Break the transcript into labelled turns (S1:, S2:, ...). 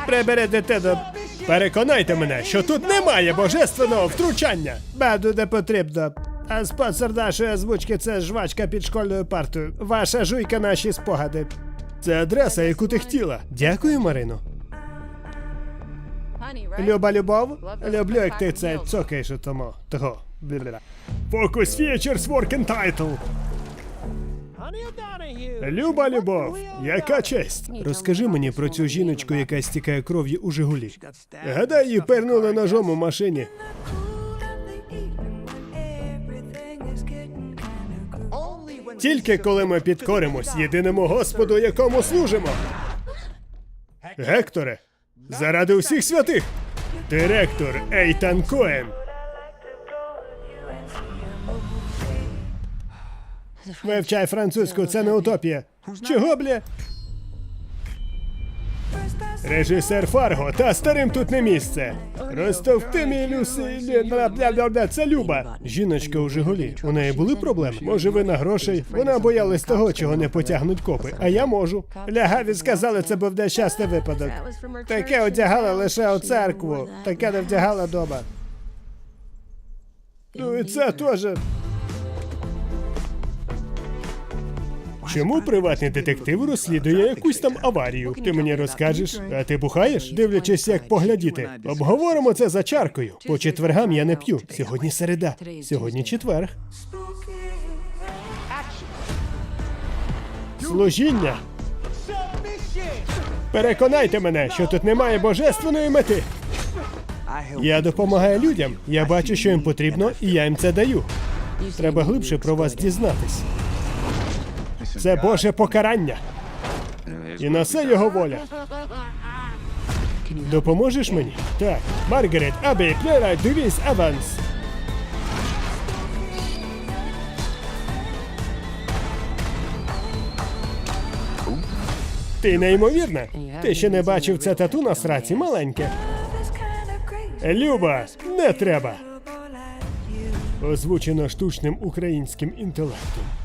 S1: Прибери дитину. Переконайте мене, що тут немає божественного втручання. Беду не потрібно. А спонсор нашої озвучки – це жвачка під школьною партою. Ваша жуйка – наші спогади. Це адреса, яку ти хотіла. Дякую, Марино. Люба любов? Люблю, як ти це цокаєш у тому. Того. Focus Features Working Title. Люба любов, яка честь. Розкажи мені про цю жіночку, яка стікає кров'ю у Жигулі. Гадай, її пернули ножом у машині. Тільки коли ми підкоримось єдиному Господу, якому служимо. Гекторе, заради усіх святих. Директор Ейтан Коен. Вивчай французьку, це не утопія. Чого, бля? Режисер Фарго, та старим тут не місце. Розтовпти мій Люсі, це Люба. Жіночка у Жигулі. У неї були проблеми? Може, вина грошей? Вона боялась того, чого не потягнуть копи. А я можу. Лягаві сказали, це був нещасний випадок. Таке одягала лише у церкву. Таке не вдягала дома. Ну і це теж. Чому приватний детектив розслідує якусь там аварію? Ти мені розкажеш? А ти бухаєш? Дивлячись, як поглядіти. Обговоримо це за чаркою. По четвергам я не п'ю. Сьогодні середа. Сьогодні четверг. Служіння. Переконайте мене, що тут немає божественної мети. Я допомагаю людям. Я бачу, що їм потрібно, і я їм це даю. Треба глибше про вас дізнатись. Це Боже покарання. І на це його воля. Допоможеш мені? Так. Маргарет, Абі, Плера, Девіс, Еванс. Ти неймовірна. Ти ще не бачив це тату на сраці маленьке. Люба, не треба. Озвучено штучним українським інтелектом.